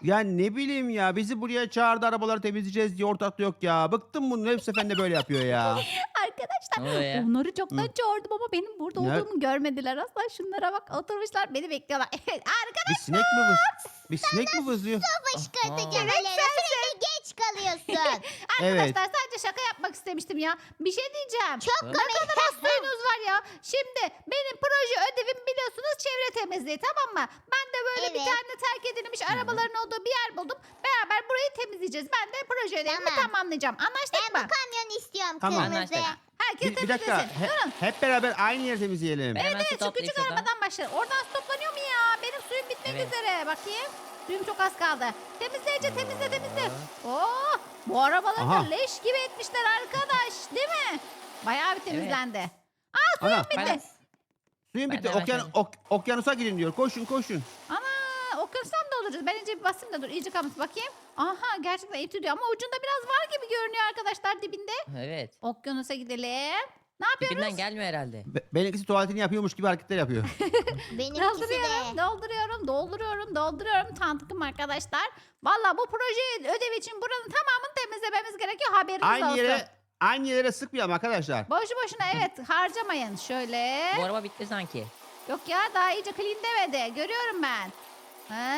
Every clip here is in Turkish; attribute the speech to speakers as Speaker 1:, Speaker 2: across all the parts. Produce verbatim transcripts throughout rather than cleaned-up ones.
Speaker 1: Ya ne bileyim ya, bizi buraya çağırdı arabaları temizleyeceğiz diye, ortakta yok ya. Bıktım bunun, hep seferinde böyle yapıyor ya.
Speaker 2: Arkadaşlar
Speaker 3: Ne oluyor ya?
Speaker 2: onları çoktan
Speaker 1: Hı.
Speaker 2: çağırdım ama benim burada
Speaker 1: Ne?
Speaker 2: olduğumu görmediler asla. Şunlara bak, oturmuşlar beni bekliyorlar. Arkadaşlar
Speaker 1: Bir sinek mi vız? Bir sinek mi vızlıyor?
Speaker 4: Fışkırtacağım
Speaker 3: Aha.
Speaker 4: Aleyna. Sürekli geç kalıyorsun.
Speaker 1: Evet.
Speaker 2: Arkadaşlar sadece şaka yapmak istemiştim ya. Bir şey diyeceğim.
Speaker 4: Çok
Speaker 3: Ne
Speaker 4: komik.
Speaker 2: Ne kadar az suyunuz var ya. Şimdi benim proje ödevim biliyorsunuz çevre temizliği, tamam mı? Ben de böyle bir
Speaker 4: Evet.
Speaker 2: tane terk edilmiş arabaların olduğu bir yer buldum. Beraber burayı temizleyeceğiz. Ben de proje ödevimi
Speaker 4: Tamam.
Speaker 2: tamamlayacağım. Anlaştık
Speaker 4: Ben
Speaker 2: mı?
Speaker 4: bu kamyonu istiyorum
Speaker 1: Tamam.
Speaker 4: kırmızı.
Speaker 3: Anlaştık.
Speaker 2: Herkes
Speaker 1: Bir, bir dakika.
Speaker 2: temizlesin.
Speaker 1: He-
Speaker 2: Durun.
Speaker 1: hep beraber aynı yeri temizleyelim.
Speaker 3: Ben hemen
Speaker 2: Evet,
Speaker 3: su
Speaker 2: şu küçük
Speaker 3: toplayayım şuradan.
Speaker 2: arabadan başlayalım. Oradan su toplanıyor mu ya? Benim suyum bitmek
Speaker 3: Evet.
Speaker 2: üzere. Bakayım. Suyum çok az kaldı. Temizleyece temizle temizle. Oo, bu arabaları da
Speaker 1: Aha.
Speaker 2: leş gibi etmişler arkadaş. Değil mi? Bayağı bir temizlendi.
Speaker 1: Ana,
Speaker 2: Bitti.
Speaker 3: Ben-
Speaker 1: suyun
Speaker 3: Ben
Speaker 1: bitti.
Speaker 3: de hemen
Speaker 1: Okyan,
Speaker 3: şöyle-
Speaker 1: ok- okyanusa gidin diyor. Koşun koşun.
Speaker 2: Ana, okyanustan da olacağız. Ben önce bir basayım da dur. İyice kalmış. Bakayım. Aha, gerçekten iyi tutuyor ama ucunda biraz var gibi görünüyor arkadaşlar dibinde.
Speaker 3: Evet.
Speaker 2: Okyanusa gidelim. Ne yapıyoruz?
Speaker 3: Dibinden gelmiyor herhalde.
Speaker 1: Be- benimkisi tuvaletini yapıyormuş gibi hareketler yapıyor.
Speaker 4: Benimkisi
Speaker 2: Dolduruyorum,
Speaker 4: de.
Speaker 2: dolduruyorum, dolduruyorum, dolduruyorum tantıkım arkadaşlar. Valla bu proje ödev için buranın tamamını temizlememiz gerekiyor, haberiniz
Speaker 1: aynı
Speaker 2: olsun.
Speaker 1: yere aynı yere sıkmayalım arkadaşlar.
Speaker 2: Boşu boşuna evet harcamayın. Şöyle.
Speaker 3: Bu araba bitti sanki.
Speaker 2: Yok ya, daha iyice clean demedi. Görüyorum ben. Ha?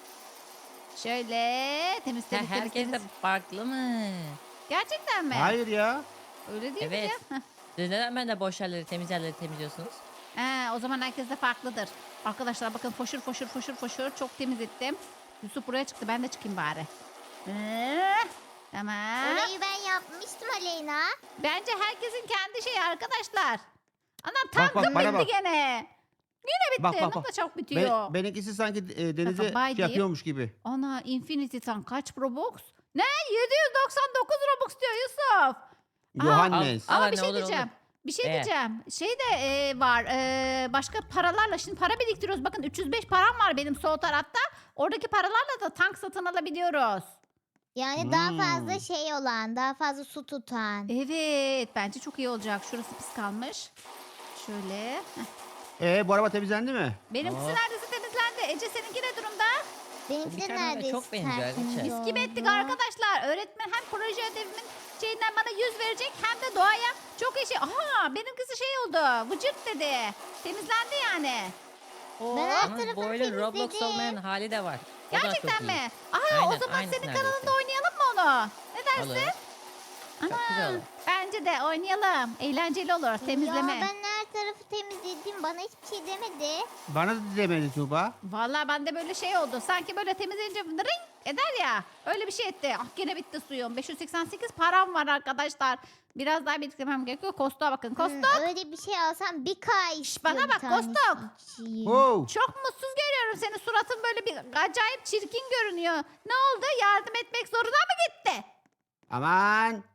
Speaker 2: Şöyle temiz
Speaker 3: Ha,
Speaker 2: temiz temiz.
Speaker 3: herkes de
Speaker 2: temiz.
Speaker 3: farklı mı?
Speaker 2: Gerçekten mi?
Speaker 1: Hayır ya.
Speaker 2: Öyle değil
Speaker 3: Evet.
Speaker 2: mi ya?
Speaker 3: Siz neden ben de boş yerleri, temiz yerleri temizliyorsunuz?
Speaker 2: He, o zaman herkes de farklıdır. Arkadaşlar bakın, foşur foşur foşur foşur çok temiz ettim. Yusuf buraya çıktı, ben de çıkayım bari. Ee, tamam.
Speaker 4: Orayı ben yapmıştım Aleyna.
Speaker 2: Bence herkesin kendi şeyi arkadaşlar. Anam
Speaker 1: Bak, bak,
Speaker 2: tankım
Speaker 1: bana
Speaker 2: bitti
Speaker 1: bak.
Speaker 2: gene. Yine bitti.
Speaker 1: Bak, bak,
Speaker 2: Nasıl
Speaker 1: bak.
Speaker 2: çok bitiyor.
Speaker 1: Ben, benimkisi sanki e, denize
Speaker 2: Bakın, bay
Speaker 1: şey
Speaker 2: diyeyim.
Speaker 1: yapıyormuş gibi.
Speaker 2: Ana, Infinity Tank kaç Robux? Ne? yedi yüz doksan dokuz Robux diyor Yusuf. Aa,
Speaker 1: Johannes.
Speaker 3: al.
Speaker 2: Ama
Speaker 3: Aa,
Speaker 2: bir
Speaker 3: ne
Speaker 2: şey
Speaker 3: olur,
Speaker 2: diyeceğim.
Speaker 3: olur.
Speaker 2: Bir şey
Speaker 3: Ee?
Speaker 2: diyeceğim. Şey de e, var. e, başka paralarla şimdi para biriktiriyoruz. Bakın üç yüz beş param var benim sol tarafta. Oradaki paralarla da tank satın alabiliyoruz.
Speaker 4: Yani daha
Speaker 1: Hmm.
Speaker 4: fazla şey olan, daha fazla su tutan.
Speaker 2: Evet. Bence çok iyi olacak. Şurası pis kalmış. Şöyle. Heh.
Speaker 1: Ee, bu araba temizlendi mi?
Speaker 2: Benimkisi
Speaker 3: Aa.
Speaker 2: neredeyse temizlendi. Ece seninki ne durumda?
Speaker 4: Benimki de
Speaker 3: Bir tane
Speaker 4: neredeyse
Speaker 3: çok benziyor
Speaker 4: tertemiz
Speaker 3: Aliçe.
Speaker 2: Mis gibi ettik
Speaker 4: oldu.
Speaker 2: arkadaşlar. Öğretmen hem proje ödevimin şeyinden bana yüz verecek hem de doğaya çok iyi şey. Aha, benimkisi şey oldu. Vıcırt dedi. Temizlendi yani. Oo.
Speaker 4: Ben her
Speaker 3: Ama
Speaker 4: tarafını
Speaker 3: bu oyunun Roblox
Speaker 4: temizledim.
Speaker 3: olmayan hali de var. O da çok
Speaker 2: Gerçekten
Speaker 3: iyi.
Speaker 2: mi? Aha, o
Speaker 3: Aynen,
Speaker 2: zaman
Speaker 3: aynısı
Speaker 2: senin
Speaker 3: neredeyse.
Speaker 2: kanalında oynayalım mı onu? Ne dersin?
Speaker 3: Olur. Çok güzel olur.
Speaker 2: Bence de oynayalım. Eğlenceli olur temizleme.
Speaker 4: Ya ben her tarafı temizledim. Bana hiçbir şey demedi.
Speaker 1: Bana da demedi Tuğba.
Speaker 2: Vallahi bende böyle şey oldu. Sanki böyle temizleyince ring eder ya. Öyle bir şey etti. Ah, gene bitti suyum. beş yüz seksen sekiz param var arkadaşlar. Biraz daha biriktirmem gerekiyor. Kostoğa bakın. Kostok.
Speaker 4: Hmm, öyle bir şey alsam bir K istiyor
Speaker 2: bana
Speaker 4: bir
Speaker 2: bak,
Speaker 4: tanesi
Speaker 2: Kostok.
Speaker 4: için.
Speaker 1: Wow.
Speaker 2: Çok mutsuz görüyorum seni. Suratın böyle bir acayip çirkin görünüyor. Ne oldu? Yardım etmek zoruna mı gitti?
Speaker 1: Aman.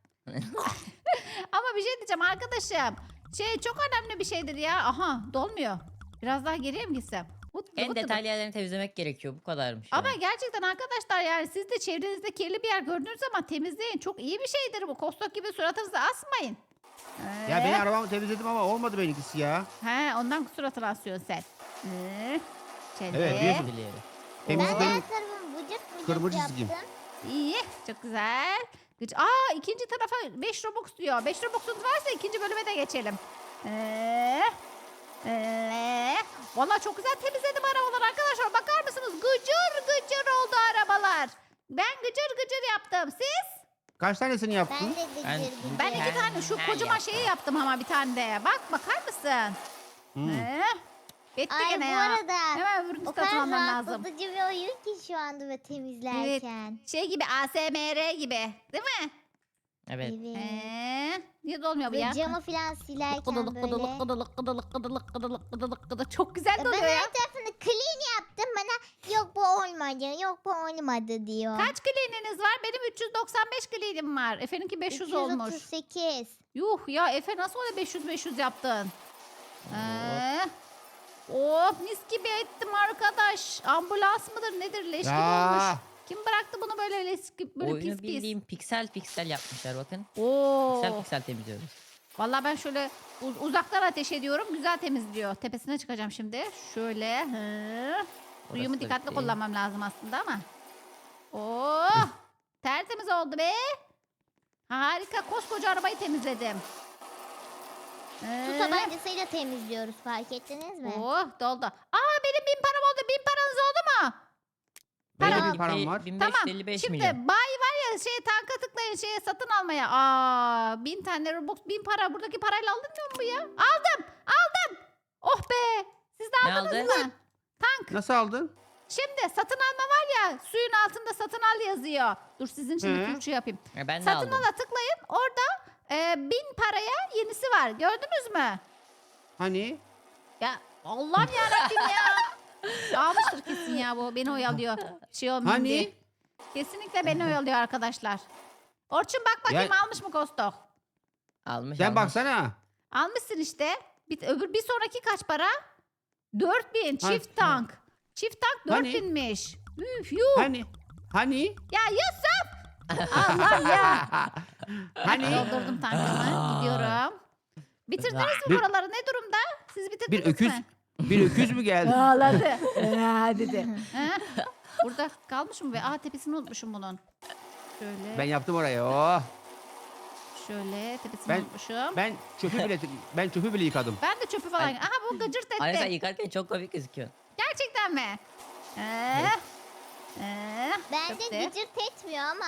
Speaker 2: Ama bir şey diyeceğim arkadaşım. Şey çok önemli bir şeydir ya. Aha, dolmuyor. Biraz daha geriye mi gitsem? Vıt
Speaker 3: En
Speaker 2: vıt vıt.
Speaker 3: detaylı yerlerini temizlemek gerekiyor. Bu kadarmış.
Speaker 2: Ama
Speaker 3: yani.
Speaker 2: gerçekten arkadaşlar, yani siz de çevrenizde kirli bir yer gördüğünüz zaman temizleyin. Çok iyi bir şeydir bu. Kostok gibi suratınızı asmayın.
Speaker 1: Ya
Speaker 2: Ee,
Speaker 1: ben arabamı temizledim ama olmadı benimkisi ya.
Speaker 2: He, ondan suratını asıyorsun sen. Ee, şöyle.
Speaker 1: Evet, biliyorsun.
Speaker 3: Biliyorum.
Speaker 4: Ben
Speaker 1: Temizlik
Speaker 2: Oo.
Speaker 1: benim
Speaker 4: her tarafımı vıcık vıcık
Speaker 1: kırmızı
Speaker 4: yaptım.
Speaker 1: çizgim.
Speaker 2: İyi. Çok güzel. Güç. Aa, ikinci tarafa beş Robux diyor. beş Robux'unuz varsa ikinci bölüme de geçelim. Ee, ee, Valla çok güzel temizledim arabalar arkadaşlar. Bakar mısınız? Gıcır gıcır oldu arabalar. Ben gıcır gıcır yaptım. Siz?
Speaker 1: Kaç tanesini
Speaker 4: Ben
Speaker 1: yaptın?
Speaker 4: de
Speaker 3: Ben-
Speaker 4: gıcır gıcır.
Speaker 2: Ben iki
Speaker 3: Ben-
Speaker 2: tane şu
Speaker 3: ben
Speaker 2: kocaman
Speaker 3: yaptım.
Speaker 2: şeyi yaptım ama bir tane de. Bak, bakar mısın?
Speaker 1: Hmm.
Speaker 2: Ee, Bitti
Speaker 4: Ay
Speaker 2: gene
Speaker 4: bu
Speaker 2: ya.
Speaker 4: arada
Speaker 2: Hemen öbürünü
Speaker 4: o kadar
Speaker 2: satın almam lazım.
Speaker 4: rahatlatıcı bir oyun ki şu anda ve temizlerken.
Speaker 2: Şey gibi, A S M R gibi. Değil mi?
Speaker 3: Evet.
Speaker 4: Evet.
Speaker 2: Ee, niye dolmuyor bu
Speaker 4: Ve
Speaker 2: ya?
Speaker 4: camı falan silerken
Speaker 2: Kıdılık
Speaker 4: böyle.
Speaker 2: kıdılık kıdılık kıdılık kıdılık kıdılık kıdılık kıdılık. Çok güzel
Speaker 4: Ben
Speaker 2: doluyor ya.
Speaker 4: her tarafını clean yaptım. Bana yok bu olmadı, yok bu olmadı diyor.
Speaker 2: Kaç clean'iniz var? Benim üç yüz doksan beş clean'im var. Efe'ninki beş yüz olmuş.
Speaker 4: üç yüz otuz sekiz.
Speaker 2: Yuh ya, Efe nasıl öyle beş yüz beş yüz yaptın? Ee, oh, mis gibi ettim arkadaş. Ambulans mıdır nedir, leş gibi
Speaker 1: Ya.
Speaker 2: olmuş. Kim bıraktı bunu böyle leş gibi, böyle
Speaker 3: Oyunu
Speaker 2: pis pis?
Speaker 3: bildiğim piksel piksel yapmışlar bakın.
Speaker 2: Oo.
Speaker 3: Piksel piksel temizliyoruz.
Speaker 2: Vallahi ben şöyle uz- uzaktan ateş ediyorum. Güzel temizliyor. Tepesine çıkacağım şimdi. Şöyle. Hı. Suyumu
Speaker 3: da
Speaker 2: dikkatli
Speaker 3: bitti.
Speaker 2: kullanmam lazım aslında ama. Oh! Tertemiz oldu be. Harika. Koskoca arabayı temizledim.
Speaker 4: Su
Speaker 2: Ee,
Speaker 4: tabancasıyla temizliyoruz, fark ettiniz mi?
Speaker 2: Oh doldu. Aa benim bin param oldu. Bin paranız oldu mu?
Speaker 1: Benim
Speaker 2: Tamam.
Speaker 1: bir param var.
Speaker 3: bin beş yüz
Speaker 2: Tamam.
Speaker 3: elli beş
Speaker 2: Şimdi
Speaker 3: milyon.
Speaker 2: bay var ya şey tanka tıklayın şeye satın almaya. Aa bin tane Robux bin para. Buradaki parayla alınmıyor mu bu ya? Aldım. Aldım. Oh be. Siz de
Speaker 3: Ne
Speaker 2: aldınız
Speaker 3: aldın?
Speaker 2: mı? Tank.
Speaker 1: Nasıl aldın?
Speaker 2: Şimdi satın alma var ya suyun altında satın al yazıyor. Dur sizin için bir
Speaker 1: Hı.
Speaker 2: Türkçe yapayım.
Speaker 3: E, ben de
Speaker 2: Satın
Speaker 3: aldım.
Speaker 2: ala tıklayın. Orada e, bin paraya yenisi var. Gördünüz mü?
Speaker 1: Hani?
Speaker 2: Ya Allah'ım yarabbim ya. Almıştır kesin ya bu. Beni oyalıyor. Şey olmayayım diye.
Speaker 1: Hani?
Speaker 2: Kesinlikle beni oyalıyor arkadaşlar. Orçun bak bakayım
Speaker 1: Ya-
Speaker 2: almış mı Kostok?
Speaker 3: Almış
Speaker 1: Sen
Speaker 3: almış.
Speaker 1: baksana.
Speaker 2: Almışsın işte. Bir, öbür bir sonraki kaç para? dört bin
Speaker 1: Ha,
Speaker 2: çift tank. Çift tank dört
Speaker 1: Hani?
Speaker 2: binmiş. Üf yuh.
Speaker 1: Hani? Hani?
Speaker 2: Ya Yusuf. Allah ya.
Speaker 1: Hani?
Speaker 2: Doldurdum tankımı. Gidiyorum. Bitirdiniz mi
Speaker 1: Bir-
Speaker 2: buraları? Ne durumda? Siz bitirdiniz
Speaker 1: Bir öküz,
Speaker 2: mi?
Speaker 1: bir öküz mü geldi?
Speaker 2: Ağladı. Aa, dedi. Ha? Burada kalmış mı be? Aa tepesini unutmuşum bunun. Şöyle.
Speaker 1: Ben yaptım orayı. Oh.
Speaker 2: Şöyle tepesini
Speaker 1: Ben-
Speaker 2: unutmuşum.
Speaker 1: Ben çöpü bile ben çöpü bile yıkadım.
Speaker 2: Ben de çöpü falan.
Speaker 3: Ay-
Speaker 2: Aha bu gıcırt
Speaker 3: Ayrıca
Speaker 2: etti.
Speaker 3: yıkarken çok komik gözüküyor.
Speaker 2: Gerçekten mi? Ee, ee,
Speaker 4: Bence
Speaker 2: çöpte.
Speaker 4: gıcırt etmiyor ama.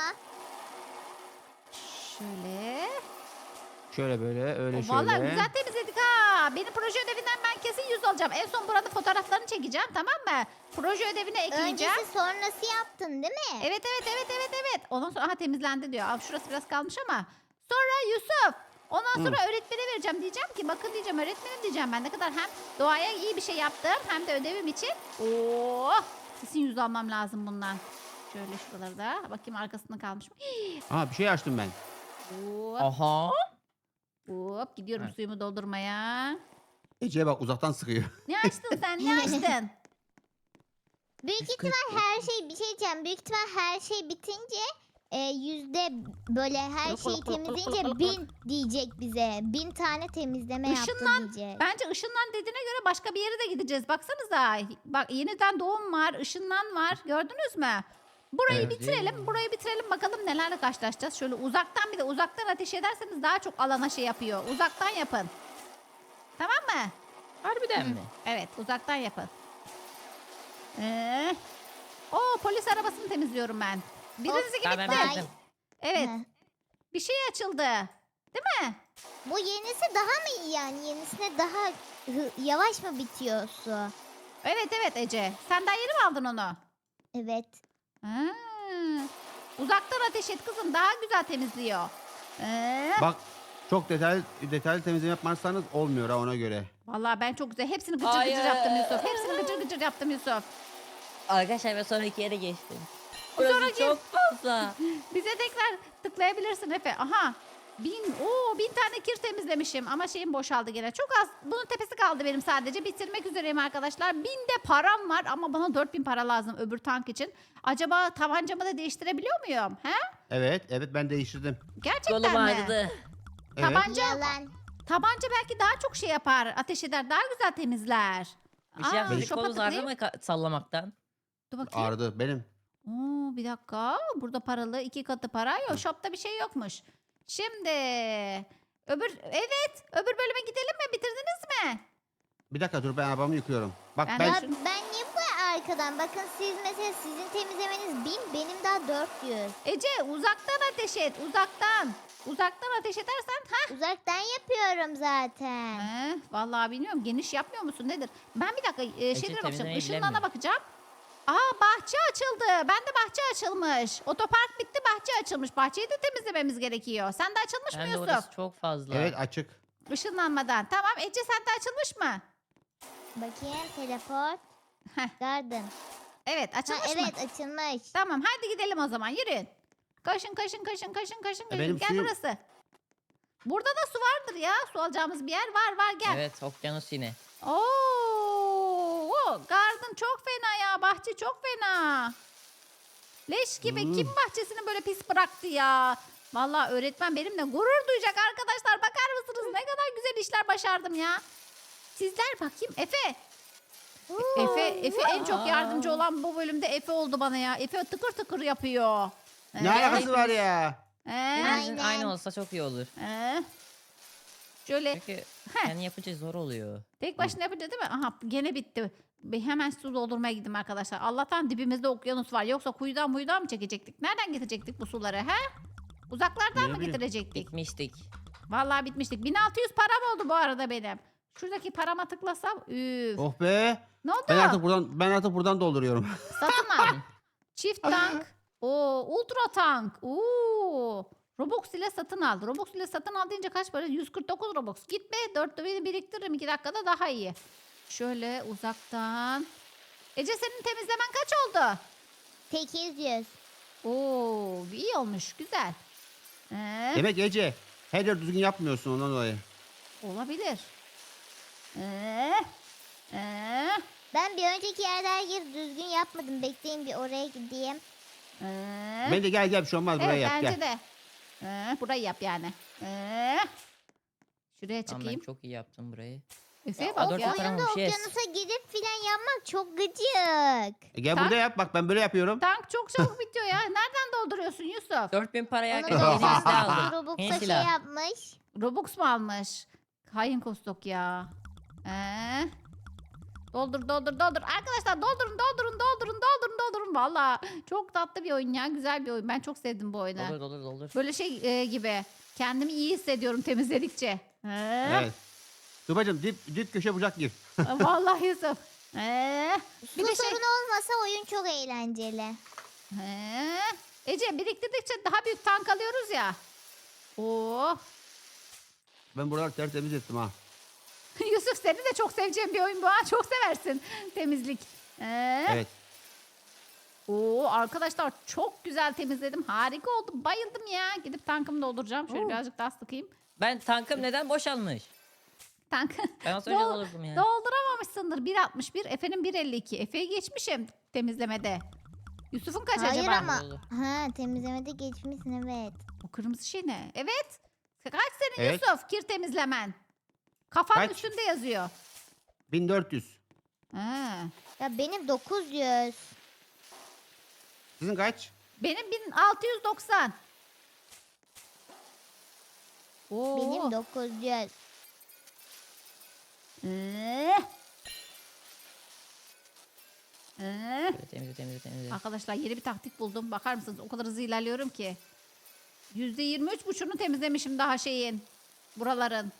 Speaker 2: Şöyle.
Speaker 1: Şöyle böyle, öyle
Speaker 2: O,
Speaker 1: şöyle.
Speaker 2: Vallahi güzel temizledik ha. Benim proje ödevinden ben kesin yüz alacağım. En son burada fotoğraflarını çekeceğim tamam mı? Proje ödevine ekleyeceğim.
Speaker 4: Öncesi sonrası yaptın değil mi?
Speaker 2: Evet evet evet evet evet. Ondan sonra aha temizlendi diyor. Aa, şurası biraz kalmış ama. Sonra Yusuf. Ondan sonra öğretmene vereceğim. Diyeceğim ki bakın diyeceğim öğretmenim diyeceğim. Ben ne kadar hem doğaya iyi bir şey yaptım hem de ödevim için. Oo, kesin yüz almam lazım bundan. Şöyle şuraları da. Bakayım arkasında kalmış mı? Hii.
Speaker 1: Aa bir şey açtım ben.
Speaker 2: Hop,
Speaker 3: Aha.
Speaker 2: hop. Gidiyorum
Speaker 3: Evet.
Speaker 2: suyumu doldurmaya.
Speaker 1: Ece'ye bak uzaktan sıkıyor.
Speaker 2: Ne açtın sen? Ne açtın?
Speaker 4: Büyük ihtimal her şey, bir şey diyeceğim. Büyük ihtimal her şey bitince e, yüzde böyle her şeyi temizleyince bin diyecek bize. Bin tane temizleme yaptı
Speaker 2: Işınlan-
Speaker 4: diyecek.
Speaker 2: Bence ışınlan dediğine göre başka bir yere de gideceğiz. Baksanıza. Bak yeniden doğum var, ışınlan var. Gördünüz mü? Burayı
Speaker 1: Evet.
Speaker 2: bitirelim. Burayı bitirelim bakalım nelerle karşılaşacağız. Şöyle uzaktan bir de uzaktan ateş ederseniz daha çok alana şey yapıyor. Uzaktan yapın. Tamam mı?
Speaker 3: Harbiden mi?
Speaker 2: Evet, uzaktan yapın. Ee, o polis arabasını temizliyorum ben. Birinizi
Speaker 3: Tamam,
Speaker 2: gitti.
Speaker 3: ben
Speaker 4: Ay.
Speaker 3: bitirdim.
Speaker 2: Evet,
Speaker 4: Heh.
Speaker 2: bir şey açıldı. Değil mi?
Speaker 4: Bu yenisi daha mı iyi yani? Yenisine daha hı- yavaş mı bitiyor su?
Speaker 2: Evet evet Ece. Sen daha yeni mi aldın onu?
Speaker 4: Evet.
Speaker 2: Ha. Uzaktan ateş et kızım daha güzel temizliyor. Ee,
Speaker 1: Bak çok detaylı detaylı temizleme yapmazsanız olmuyor ha ona göre.
Speaker 2: Vallahi ben çok güzel hepsini gıcır
Speaker 3: Hayır.
Speaker 2: gıcır yaptım Yusuf. Hepsini gıcır gıcır yaptım Yusuf.
Speaker 3: Arkadaşlar ben sonraki yere geçtim.
Speaker 2: O
Speaker 3: Burası
Speaker 2: sonraki-
Speaker 3: çok fazla.
Speaker 2: Bize tekrar tıklayabilirsin Efe. Aha. Bin, oo, bin tane kir temizlemişim ama şeyim boşaldı gene. Çok az. Bunun tepesi kaldı benim sadece. Bitirmek üzereyim arkadaşlar. Bin de param var ama bana dört bin para lazım öbür tank için. Acaba tabancamı da değiştirebiliyor muyum? He?
Speaker 1: Evet, evet ben değiştirdim.
Speaker 2: Gerçekten
Speaker 3: Kolum
Speaker 2: mi?
Speaker 3: ağrıdı.
Speaker 1: Evet.
Speaker 2: Tabanca,
Speaker 4: Yalan.
Speaker 2: tabanca belki daha çok şey yapar. Ateş eder. Daha güzel temizler.
Speaker 3: Bir şey
Speaker 2: Aa,
Speaker 3: yapmadık.
Speaker 2: şopa
Speaker 3: Kolunuz ağrıdı
Speaker 2: tıklayayım.
Speaker 3: mı ka- sallamaktan?
Speaker 2: Dur bakayım.
Speaker 1: Ağrıdı benim.
Speaker 2: Oo, bir dakika. Burada paralı iki katı para yok. Shop'ta bir şey yokmuş. Şimdi öbür evet öbür bölüme gidelim mi? Bitirdiniz mi?
Speaker 1: Bir dakika dur ben arabamı yıkıyorum. Bak
Speaker 2: Ben
Speaker 1: ben,
Speaker 4: Ya
Speaker 2: de-
Speaker 4: ben niye bu kadar arkadan? Bakın siz mesela sizin temizlemeniz bin, benim daha dört yüz.
Speaker 2: Ece uzaktan ateş et. Uzaktan. Uzaktan ateş edersen ha.
Speaker 4: Uzaktan yapıyorum zaten.
Speaker 2: He, vallahi bilmiyorum. Geniş yapmıyor musun? Nedir? Ben bir dakika e, şeylere bakacağım.
Speaker 3: temizlemeyi
Speaker 2: Işınlarına
Speaker 3: bilemiyorum.
Speaker 2: bakacağım. Aa bahçe açıldı. Ben de bahçe açılmış. Otopark bitti bahçe açılmış. Bahçeyi de temizlememiz gerekiyor. Sen de açılmış mı
Speaker 3: Hem de
Speaker 2: Yusuf?
Speaker 3: orası çok fazla.
Speaker 1: evet açık.
Speaker 2: Işınlanmadan. Tamam Ece sen de açılmış mı?
Speaker 4: Bakayım teleport.
Speaker 2: Heh.
Speaker 4: Garden.
Speaker 2: Evet
Speaker 4: Ha,
Speaker 2: açılmış mı?
Speaker 4: evet açılmış.
Speaker 2: Tamam hadi gidelim o zaman yürüyün. Koşun koşun koşun koşun koşun. koşun.
Speaker 1: benim
Speaker 2: Gel
Speaker 1: suyum-
Speaker 2: burası. Burada da su vardır ya. Su alacağımız bir yer var var gel.
Speaker 3: Evet okyanus yine.
Speaker 2: Oo, garden çok fena ya. Bahçe çok fena. Leş gibi.
Speaker 1: Hmm.
Speaker 2: Kim bahçesini böyle pis bıraktı ya? Vallahi öğretmen benimle gurur duyacak arkadaşlar. Bakar mısınız ne kadar güzel işler başardım ya. Sizler bakayım Efe. Efe, Efe en çok yardımcı olan bu bölümde Efe oldu bana ya. Efe tıkır tıkır yapıyor.
Speaker 1: Ne
Speaker 2: Ee,
Speaker 1: alakası var ya?
Speaker 2: ee,
Speaker 3: Hepimizin
Speaker 4: Aynen.
Speaker 3: aynı olsa çok iyi olur.
Speaker 2: ee. Şöyle
Speaker 3: Çünkü
Speaker 2: Heh.
Speaker 3: kendi yapınca zor oluyor.
Speaker 2: tek başına yapınca değil mi? Aha gene bitti. Bir hemen su doldurmaya gittim arkadaşlar. Allah'tan dibimizde okyanus var. Yoksa kuyudan muyudan mı çekecektik? Nereden getirecektik bu suları he? Uzaklardan
Speaker 1: Ne
Speaker 2: mı
Speaker 1: bileyim.
Speaker 2: getirecektik?
Speaker 3: Bitmiştik.
Speaker 2: Vallahi bitmiştik. bin altı yüz param oldu bu arada benim. Şuradaki parama tıklasam üf.
Speaker 1: Oh be.
Speaker 2: Ne oldu?
Speaker 1: Ben artık buradan ben artık buradan dolduruyorum.
Speaker 2: Satın al. Çift tank. Oo, ultra tank. Oo. Robux ile satın al. Robux ile satın al deyince kaç para? yüz kırk dokuz Robux. Gitme. dörtte biri biriktiririm. iki dakikada daha iyi. Şöyle uzaktan. Ece senin temizlemen kaç oldu?
Speaker 4: sekiz yüz.
Speaker 2: Oo, iyi olmuş. Güzel. Ee,
Speaker 1: Demek Ece her yer düzgün yapmıyorsun ondan dolayı.
Speaker 2: olabilir. Ee, ee,
Speaker 4: Ben bir önceki yerde her yeri düzgün yapmadım. Bekleyin bir oraya gideyim.
Speaker 2: ee.
Speaker 1: Ben de gel gel bir şey olmaz buraya
Speaker 2: Evet
Speaker 1: yap
Speaker 2: bence
Speaker 1: gel.
Speaker 2: de. Ee, burayı yap yani. Ee, şuraya
Speaker 3: Tamam ben
Speaker 2: çıkayım.
Speaker 3: çok iyi yaptım burayı.
Speaker 2: Efe'ye
Speaker 3: Aa,
Speaker 2: bak
Speaker 3: dört
Speaker 2: ya.
Speaker 3: tane
Speaker 4: Oyunda
Speaker 3: olmuş, yes.
Speaker 4: okyanusa gidip filan yapmak çok gıcık.
Speaker 1: E, gel
Speaker 2: Tank-
Speaker 1: burada yap bak ben böyle yapıyorum.
Speaker 2: Tank çok çabuk bitiyor ya. Nereden dolduruyorsun Yusuf?
Speaker 3: dört bin paraya
Speaker 4: Onu
Speaker 3: kadar yeni bir
Speaker 4: da
Speaker 3: silah aldım.
Speaker 4: Robux'a
Speaker 3: Yeni
Speaker 4: şey
Speaker 3: silah.
Speaker 4: yapmış.
Speaker 2: Robux mu almış? Hain kostok ya. Ee, doldur doldur doldur. Arkadaşlar doldurun doldurun doldurun doldurun doldurun. Valla çok tatlı bir oyun ya. Güzel bir oyun. Ben çok sevdim bu oyunu.
Speaker 3: Doldur doldur doldur.
Speaker 2: Böyle şey e, gibi. Kendimi iyi hissediyorum temizledikçe. Ee,
Speaker 1: Evet. Tuba'cığım dip, dip köşe bucak gir.
Speaker 2: Vallahi Yusuf. Ee,
Speaker 4: Su
Speaker 2: bir de şey.
Speaker 4: sorunu olmasa oyun çok eğlenceli.
Speaker 2: Ee, Ece biriktirdikçe daha büyük tank alıyoruz ya. Oo.
Speaker 1: Ben buraları tertemiz ettim ha.
Speaker 2: Yusuf seni de çok seveceğim bir oyun bu ha. Çok seversin temizlik. Ee,
Speaker 1: Evet.
Speaker 2: Oo arkadaşlar çok güzel temizledim. Harika oldu. Bayıldım ya. Gidip tankımı dolduracağım. Şöyle
Speaker 3: Oo.
Speaker 2: birazcık daha sıkayım.
Speaker 3: Ben tankım neden boşalmış?
Speaker 2: Tank
Speaker 3: Ben az önce
Speaker 2: Dol-
Speaker 3: doldurdum ya.
Speaker 2: dolduramamışsındır. bir altmış bir. Efe'nin bir elli iki. Efe'yi geçmişim temizlemede. Yusuf'un kaç
Speaker 4: Hayır
Speaker 2: acaba?
Speaker 4: ama.
Speaker 3: Oldu.
Speaker 4: Ha temizlemede geçmişsin evet.
Speaker 2: O kırmızı şey ne? Evet. Kaç senin
Speaker 1: Evet.
Speaker 2: Yusuf kir temizlemen? Kafanın
Speaker 1: Kaç?
Speaker 2: üstünde yazıyor.
Speaker 1: bin dört yüz.
Speaker 2: Ha.
Speaker 4: Ya benim dokuz yüz.
Speaker 1: Sizin kaç?
Speaker 2: Benim bin altı yüz doksan. Oo.
Speaker 4: Benim dokuz yüz.
Speaker 2: Ee. Ee.
Speaker 3: Böyle temizle temizle temizle.
Speaker 2: Arkadaşlar yeni bir taktik buldum. Bakar mısınız? O kadar hızlı ilerliyorum ki. yüzde yirmi üç buçuğunu temizlemişim daha şeyin. Buraların.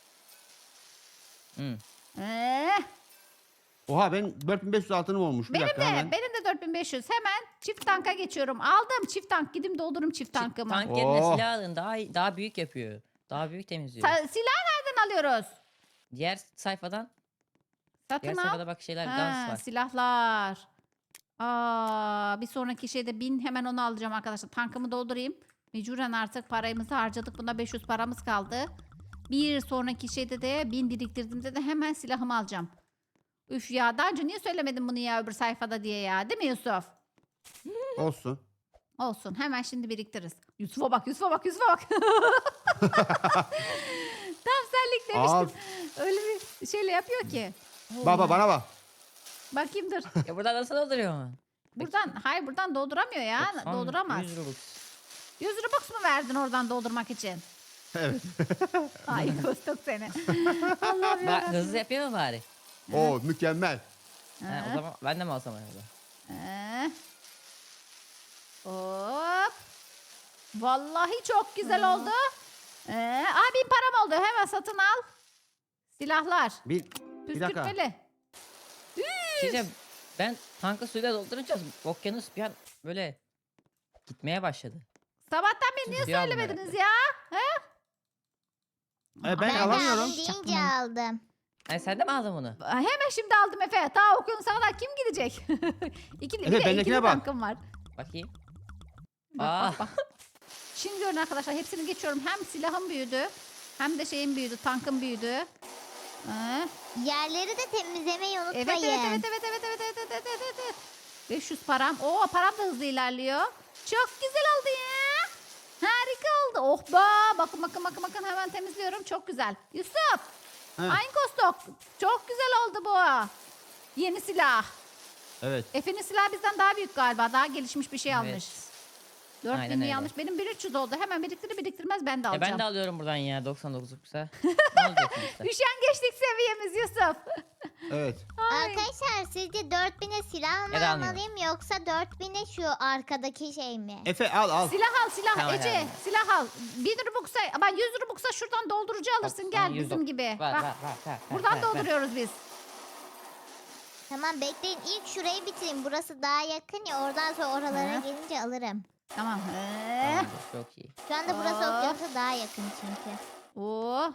Speaker 3: Hı.
Speaker 2: Ee.
Speaker 1: Oha ben dört bin beş yüz altınım olmuş. Bir
Speaker 2: Benim
Speaker 1: dakika
Speaker 2: de
Speaker 1: hemen.
Speaker 2: benim de dört bin beş yüz. Hemen çift tanka geçiyorum. Aldım çift tank. Gidip doldururum çift tankımı.
Speaker 3: Tank yerine
Speaker 1: Oh.
Speaker 3: silah alın. Daha iyi- daha büyük yapıyor. Daha büyük temizliyor.
Speaker 2: Sa- silah nereden alıyoruz?
Speaker 3: Diğer sayfadan,
Speaker 2: Satın
Speaker 3: diğer
Speaker 2: al.
Speaker 3: sayfada bak şeyler
Speaker 2: Ha,
Speaker 3: dans var.
Speaker 2: silahlar. Aa, bir sonraki şeyde bin hemen onu alacağım arkadaşlar. Tankımı doldurayım. Mecburen artık parayımızı harcadık. Bunda beş yüz paramız kaldı. Bir sonraki şeyde de bin biriktirdiğimde de hemen silahımı alacağım. Üf ya daha önce niye söylemedin bunu ya öbür sayfada diye ya. Değil mi Yusuf?
Speaker 1: Olsun.
Speaker 2: Olsun hemen şimdi biriktiririz. Yusuf'a bak Yusuf'a bak Yusuf'a bak. Tam senlik
Speaker 1: Al.
Speaker 2: demiştim. Öyle bir şeyle yapıyor ki.
Speaker 1: Baba bana bak.
Speaker 2: Bakayım dur.
Speaker 3: Ya buradan nasıl dolduruyor mu?
Speaker 2: Buradan hayır buradan dolduramıyor ya.
Speaker 3: doksan,
Speaker 2: Dolduramaz.
Speaker 3: yüz Robux.
Speaker 2: yüz Robux mu verdin oradan doldurmak için?
Speaker 1: Evet.
Speaker 2: Ay kostok seni. Allah'ım
Speaker 3: Bak
Speaker 2: ya.
Speaker 3: hızlı yapıyor mu bari?
Speaker 1: Oo mükemmel.
Speaker 3: Ha, o zaman ben de mi alsam acaba?
Speaker 2: Ee. Hop. Vallahi çok güzel oldu. Ee, aa bin param oldu. Hemen satın al. Silahlar.
Speaker 1: Bir, bir dakika.
Speaker 2: Püskürtmeli.
Speaker 3: Sizce ben tankı suyla doldurunca okyanus bir an böyle gitmeye başladı.
Speaker 2: Sabahtan beri niye
Speaker 3: Suyu aldım
Speaker 2: söylemediniz
Speaker 3: herhalde.
Speaker 2: ya?
Speaker 1: E, ben,
Speaker 4: Ben de
Speaker 1: alamıyorum.
Speaker 4: aldım deyince aldım.
Speaker 3: Hani sen de mi aldın bunu?
Speaker 2: Hemen şimdi aldım Efe. Ta okyanusa kadar kim gidecek? İkili,
Speaker 1: Efe,
Speaker 2: bir de
Speaker 1: bendekine
Speaker 2: ikili
Speaker 1: bak.
Speaker 2: tankım var.
Speaker 3: Bakayım.
Speaker 2: Bak
Speaker 3: Aa.
Speaker 2: bak bak. Şimdi görün arkadaşlar hepsini geçiyorum. Hem silahım büyüdü. Hem de şeyim büyüdü. Tankım büyüdü. Ee,
Speaker 4: Yerleri de temizlemeyi unutmayın.
Speaker 2: evet, evet, evet, evet, evet, evet, evet, evet, evet, evet. beş yüz param. Oo param da hızlı ilerliyor. Çok güzel oldu ya. Harika oldu. Oh be. Bakın bakın bakın bakın hemen temizliyorum. Çok güzel. Yusuf.
Speaker 1: He.
Speaker 2: Aynı kostok. Çok güzel oldu bu. Yeni silah.
Speaker 1: Evet.
Speaker 2: Efe'nin silahı bizden daha büyük galiba. Daha gelişmiş bir şey
Speaker 3: Evet.
Speaker 2: almış.
Speaker 3: Aynen
Speaker 2: dört binli
Speaker 3: öyle.
Speaker 2: almış. Benim bin üç yüz oldu. Hemen biriktirir biriktirmez ben de
Speaker 3: E
Speaker 2: alacağım.
Speaker 3: ben de alıyorum buradan ya doksan dokuzluksa. Ne olacak sonuçta?
Speaker 2: Üşengeçlik seviyemiz Yusuf.
Speaker 1: Evet.
Speaker 2: Ay.
Speaker 4: Arkadaşlar sizce dört bine silah mı
Speaker 3: Ya da almıyorum.
Speaker 4: almalıyım yoksa dört bine şu arkadaki şey mi?
Speaker 1: Efe al al.
Speaker 2: Silah al silah
Speaker 3: Tamam,
Speaker 2: Ece.
Speaker 3: yani.
Speaker 2: Silah al. bin Rubux'a ama yüz Rubux'a şuradan doldurucu alırsın.
Speaker 3: Bak,
Speaker 2: Gel
Speaker 3: sana yüz
Speaker 2: bizim
Speaker 3: dok-
Speaker 2: gibi.
Speaker 3: Ver,
Speaker 2: Bak,
Speaker 3: ver, ver, ver,
Speaker 2: buradan
Speaker 3: ver, ver.
Speaker 2: dolduruyoruz biz.
Speaker 4: Tamam bekleyin ilk şurayı bitireyim. Burası daha yakın ya oradan sonra oralara
Speaker 2: Hı.
Speaker 4: gelince alırım.
Speaker 2: Tamam. Ee,
Speaker 3: Tamamdır, çok iyi.
Speaker 4: Şu anda burası
Speaker 2: Aa.
Speaker 4: okyanusa daha yakın çünkü.
Speaker 2: Oo.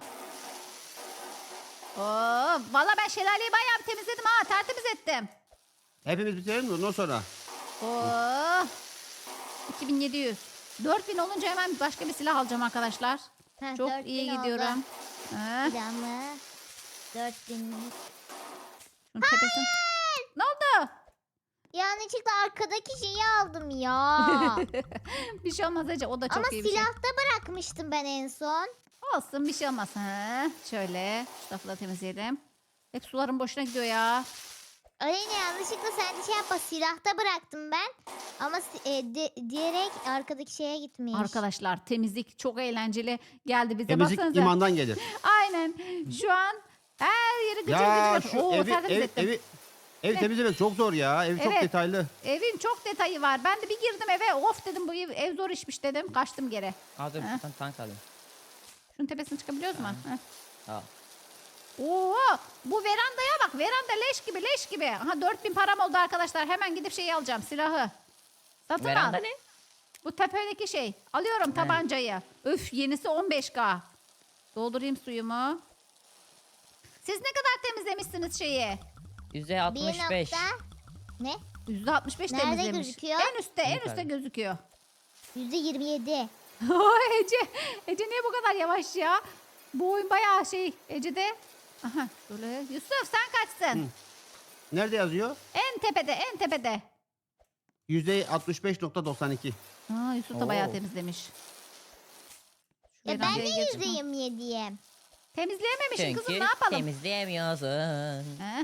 Speaker 2: Oo. Valla ben şelaleyi bayağı bir temizledim ha. Tertemiz ettim.
Speaker 1: Hepimiz bitirelim mi ondan sonra?
Speaker 2: Oo. iki bin yedi yüz. dört bin olunca hemen başka bir silah alacağım arkadaşlar.
Speaker 4: Heh,
Speaker 2: Çok
Speaker 4: dört bin
Speaker 2: iyi
Speaker 4: oldu.
Speaker 2: gidiyorum. Ha,
Speaker 4: Silahımı dört binlik.
Speaker 2: şunun tepesine. Ne oldu?
Speaker 4: Yanlışlıkla arkadaki şeyi aldım ya.
Speaker 2: Bir şey olmaz Ece. O da çok
Speaker 4: Ama
Speaker 2: iyi bir şey.
Speaker 4: silahta bırakmıştım ben en son.
Speaker 2: Olsun bir şey olmaz. Ha, şöyle. Şu tarafı da temizleyelim. Hep suların boşuna gidiyor ya.
Speaker 4: Aleyna yanlışlıkla sen de şey yapma silahta bıraktım ben. Ama si- e, di- direkt arkadaki şeye gitmiş.
Speaker 2: Arkadaşlar temizlik çok eğlenceli geldi bize.
Speaker 1: Temizlik
Speaker 2: Baksanıza.
Speaker 1: imandan gelir.
Speaker 2: Aynen. Şu an her yeri gıcır
Speaker 1: Ya
Speaker 2: gıcır.
Speaker 1: şu
Speaker 2: Oo,
Speaker 1: evi
Speaker 2: tertemiz
Speaker 1: ev,
Speaker 2: ettim.
Speaker 1: evi ev
Speaker 2: Ne?
Speaker 1: temizlemek çok zor ya. Ev çok
Speaker 2: Evet.
Speaker 1: detaylı.
Speaker 2: Evin çok detayı var. Ben de bir girdim eve. Of dedim bu ev, ev zor işmiş dedim. Kaçtım geri.
Speaker 3: Aa dur
Speaker 2: Ha.
Speaker 3: ben tank alayım.
Speaker 2: Şunun tepesine çıkabiliyoruz mu? Heh.
Speaker 3: Al.
Speaker 2: Oo, bu verandaya bak. Veranda leş gibi leş gibi. Aha dört bin param oldu arkadaşlar. Hemen gidip şeyi alacağım. Silahı. Satın
Speaker 3: Veranda
Speaker 2: al.
Speaker 3: ne?
Speaker 2: Bu tepedeki şey. Alıyorum tabancayı. Üf yenisi on beş K. Doldurayım suyumu. Siz ne kadar temizlemişsiniz şeyi?
Speaker 3: yüzde
Speaker 4: Bir
Speaker 3: altmış beş.
Speaker 4: nokta ne?
Speaker 2: yüzde altmış beş
Speaker 4: Nerede
Speaker 2: temizlemiş.
Speaker 4: gözüküyor?
Speaker 2: En üstte en
Speaker 3: Yukarıda.
Speaker 2: üstte gözüküyor.
Speaker 4: Yüzde yirmi yedi.
Speaker 2: Oy, Ece, Ece niye bu kadar yavaş ya? Bu oyun bayağı şey Ece'de. Aha böyle. Yusuf sen kaçsın?
Speaker 1: Hı. Nerede yazıyor?
Speaker 2: En tepede en tepede.
Speaker 1: yüzde altmış beş nokta doksan iki.
Speaker 2: Aa, Yusuf da bayağı
Speaker 3: Oo.
Speaker 2: temizlemiş. Şu
Speaker 4: Ya ben
Speaker 2: verandaya
Speaker 4: de
Speaker 2: geç.
Speaker 4: yüzde yirmi yediyim.
Speaker 2: Temizleyememişsin
Speaker 3: Çünkü
Speaker 2: kızım ne yapalım?
Speaker 3: temizleyemiyorsun.
Speaker 2: Heh.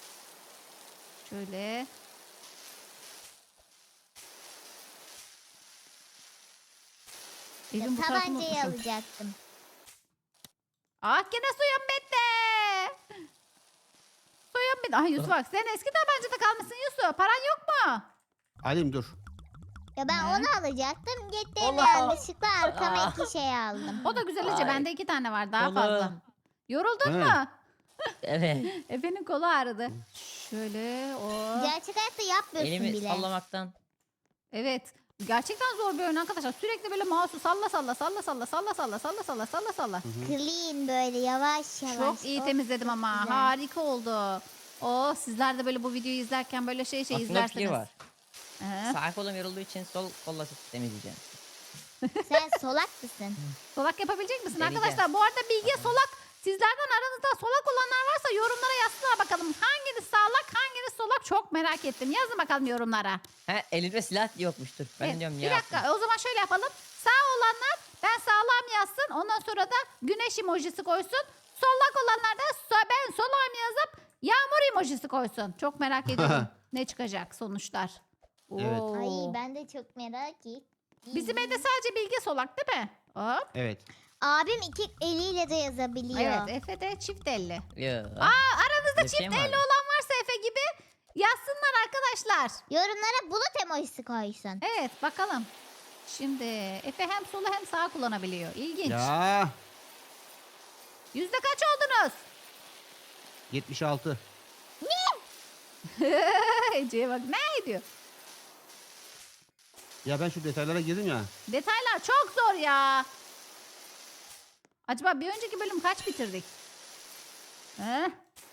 Speaker 2: Şöyle. Evin bu tarafını
Speaker 4: Tabancayı
Speaker 2: unutmuşum.
Speaker 4: alacaktım.
Speaker 2: Ah gene suyum bitti. Suyum bitti. Ay Yusuf bak sen eski tabancada kalmışsın Yusuf. Paran yok mu?
Speaker 1: Alim dur.
Speaker 4: Ya ben
Speaker 2: Ne?
Speaker 4: onu alacaktım. Gittim
Speaker 3: Allah!
Speaker 4: yanlışlıkla arkama
Speaker 3: Ah.
Speaker 4: iki şey aldım.
Speaker 2: O da güzel Ece.
Speaker 3: Ay.
Speaker 2: Bende iki tane var daha
Speaker 3: Kolum.
Speaker 2: fazla. Yoruldun
Speaker 1: He.
Speaker 2: mu?
Speaker 3: Evet.
Speaker 2: Efe'nin kolu ağrıdı. Şöyle o.
Speaker 4: Gerçek hayatta yapmıyorsun
Speaker 3: Elimi
Speaker 4: bile.
Speaker 3: sallamaktan.
Speaker 2: Evet. Gerçekten zor bir oyun arkadaşlar. Sürekli böyle mouse'u salla salla salla salla salla salla salla salla salla salla.
Speaker 4: Clean böyle yavaş yavaş.
Speaker 2: Çok iyi
Speaker 4: Of,
Speaker 2: temizledim ama.
Speaker 4: güzel.
Speaker 2: Harika oldu. O sizler de böyle bu videoyu izlerken böyle şey şey
Speaker 3: Aklımda bir fikir
Speaker 2: izlersiniz.
Speaker 3: var.
Speaker 2: Ee,
Speaker 3: Sağ kolum yorulduğu için sol kolla temizleyeceğim.
Speaker 4: Sen solak mısın?
Speaker 2: solak yapabilecek misin
Speaker 3: Deneyeceğim.
Speaker 2: arkadaşlar? Bu arada Bilge solak. Sizlerden aranızda solak olanlar varsa yorumlara yazsınlar bakalım. Hanginiz sağlak hanginiz solak çok merak ettim. Yazın bakalım yorumlara.
Speaker 3: He elimde silah yokmuştur. Ben
Speaker 2: Evet,
Speaker 3: diyorum
Speaker 2: bir
Speaker 3: ya.
Speaker 2: dakika o zaman şöyle yapalım. Sağ olanlar ben sağlam yazsın. Ondan sonra da güneş emojisi koysun. Solak olanlar da so- ben solağım yazıp yağmur emojisi koysun. Çok merak ediyorum ne çıkacak sonuçlar.
Speaker 1: Evet.
Speaker 2: Oo.
Speaker 4: Ay ben de çok merak ettim.
Speaker 2: Bizim evde sadece Bilge solak değil mi? Hop.
Speaker 1: Evet.
Speaker 4: Abim iki eliyle de yazabiliyor.
Speaker 2: Evet Efe de çift elli.
Speaker 3: Yo.
Speaker 2: Aa, aranızda
Speaker 3: Bir şey
Speaker 2: çift
Speaker 3: mi
Speaker 2: elli
Speaker 3: vardı?
Speaker 2: olan varsa Efe gibi yazsınlar arkadaşlar.
Speaker 4: Yorumlara bulut emojisi koysun.
Speaker 2: Evet bakalım. Şimdi Efe hem solu hem sağ kullanabiliyor. İlginç.
Speaker 1: Ya
Speaker 2: Yüzde kaç oldunuz?
Speaker 1: yetmiş altı.
Speaker 2: Ece'ye bak ne ediyor?
Speaker 1: Ya ben şu detaylara girdim ya.
Speaker 2: Detaylar çok zor ya. Acaba bir önceki bölüm kaç bitirdik? He?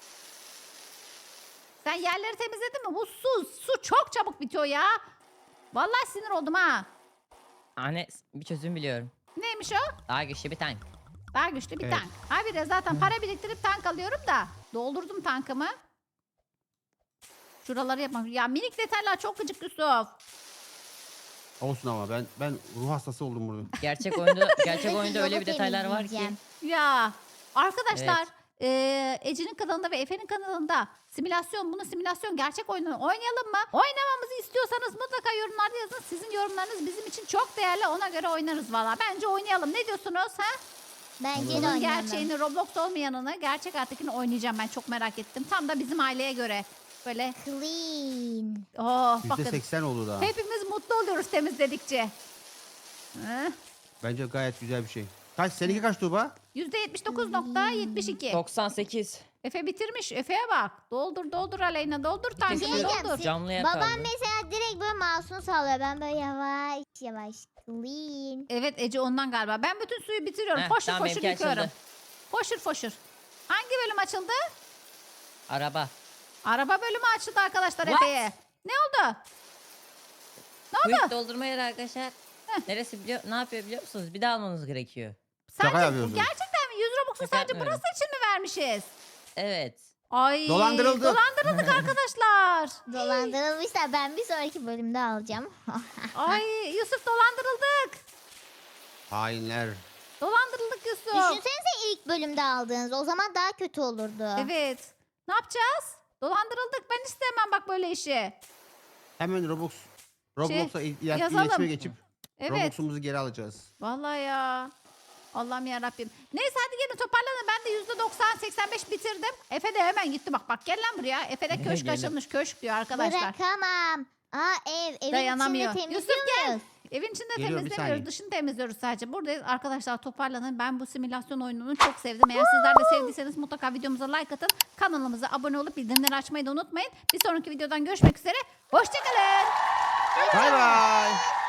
Speaker 2: Sen yerleri temizledin mi? Bu su, su çok çabuk bitiyor ya. Vallahi sinir oldum ha.
Speaker 3: Anne bir çözüm biliyorum.
Speaker 2: Neymiş o?
Speaker 3: Daha güçlü bir tank.
Speaker 2: Daha güçlü bir
Speaker 1: Evet.
Speaker 2: tank. Abi de zaten para biriktirip tank alıyorum da. Doldurdum tankımı. Şuraları yapmam. Ya minik detaylar çok gıcık Yusuf.
Speaker 1: Olsun ama ben ben ruh hastası oldum burada.
Speaker 3: Gerçek oyunda gerçek
Speaker 4: Sürekli
Speaker 3: oyunda öyle
Speaker 4: yolu
Speaker 3: bir detaylar var ki.
Speaker 4: temizleyeceğim.
Speaker 2: Ya arkadaşlar
Speaker 3: Evet.
Speaker 2: Ee, Ece'nin kanalında ve Efe'nin kanalında simülasyon, bunu simülasyon gerçek oyunu oynayalım mı? Oynamamızı istiyorsanız mutlaka yorumlarda yazın. Sizin yorumlarınız bizim için çok değerli. Ona göre oynarız valla. Bence oynayalım. Ne diyorsunuz ha?
Speaker 4: Bence de
Speaker 2: Bunun
Speaker 4: oynayalım.
Speaker 2: gerçeğini, Roblox olmayanını, gerçek hayattakini oynayacağım ben. Çok merak ettim. Tam da bizim aileye göre. Böyle
Speaker 4: Clean.
Speaker 2: oh
Speaker 1: yüzde
Speaker 2: bakın.
Speaker 1: seksen oldu daha.
Speaker 2: Hepimiz mutlu oluyoruz temizledikçe. Hı?
Speaker 1: Bence gayet güzel bir şey. Kaç? Seninki kaç Tuğba?
Speaker 2: yüzde yetmiş dokuz nokta yetmiş iki.
Speaker 3: doksan sekiz.
Speaker 2: Efe bitirmiş. Efe'ye bak. Doldur doldur Aleyna. Doldur tankını
Speaker 3: Şey
Speaker 2: doldur.
Speaker 3: Camlıya
Speaker 4: Babam
Speaker 3: kaldı.
Speaker 4: mesela direkt böyle mouse'unu sallıyor. Ben böyle yavaş yavaş. Clean.
Speaker 2: Evet Ece ondan galiba. Ben bütün suyu bitiriyorum.
Speaker 3: Heh,
Speaker 2: foşur
Speaker 3: tamam,
Speaker 2: foşur
Speaker 3: benimki
Speaker 2: yıkıyorum.
Speaker 3: açıldı.
Speaker 2: Foşur foşur. Hangi bölüm açıldı?
Speaker 3: Araba.
Speaker 2: Araba bölümü açıldı arkadaşlar
Speaker 3: What?
Speaker 2: Efe'ye. Ne oldu? Ne oldu?
Speaker 3: Quick doldurma yeri arkadaşlar. Neresi biliyor? Ne yapıyor biliyor musunuz? Bir daha almanız gerekiyor.
Speaker 1: Şaka
Speaker 2: Sadece,
Speaker 1: yapıyorsun.
Speaker 2: gerçekten mi? yüz Robux'u
Speaker 3: Şaka
Speaker 2: sadece
Speaker 3: yapmıyorum.
Speaker 2: burası için mi vermişiz?
Speaker 3: Evet.
Speaker 2: Ay.
Speaker 1: Dolandırıldık.
Speaker 2: Dolandırıldık arkadaşlar.
Speaker 4: Dolandırılmışlar. Ben bir sonraki bölümde alacağım.
Speaker 2: Ay Yusuf dolandırıldık.
Speaker 1: Hainler.
Speaker 2: Dolandırıldık Yusuf.
Speaker 4: Düşünsenize ilk bölümde aldığınız. O zaman daha kötü olurdu.
Speaker 2: Evet. Ne yapacağız? Dolandırıldık. Ben istemem bak böyle işi.
Speaker 1: Hemen Roblox. Roblox'a il- il-
Speaker 2: yazalım.
Speaker 1: iletişime geçip
Speaker 2: Evet.
Speaker 1: Robux'umuzu geri alacağız.
Speaker 2: Vallahi ya. Allah'ım ya Rabbim. Neyse hadi gelin toparlanın. Ben de yüzde doksan seksen beş bitirdim. Efe de hemen gitti bak. Bak gel lan buraya. Efe de köşk
Speaker 3: Geldim.
Speaker 2: açılmış. Köşk diyor arkadaşlar.
Speaker 4: Bırakamam. Aa ev. Evin
Speaker 2: Dayanamıyor.
Speaker 4: içinde
Speaker 2: Yusuf
Speaker 4: temizliyor
Speaker 2: gel.
Speaker 4: muyuz?
Speaker 2: Evin içinde
Speaker 1: Geliyorum, bir
Speaker 2: temizlemiyoruz.
Speaker 1: saniye.
Speaker 2: Dışını temizliyoruz sadece. Buradayız. Arkadaşlar toparlanın. Ben bu simülasyon oyununu çok sevdim. Eğer sizler de sevdiyseniz mutlaka videomuza like atın. Kanalımıza abone olup bildirimleri açmayı da unutmayın. Bir sonraki videodan görüşmek üzere. Hoşçakalın.
Speaker 1: Bay bay.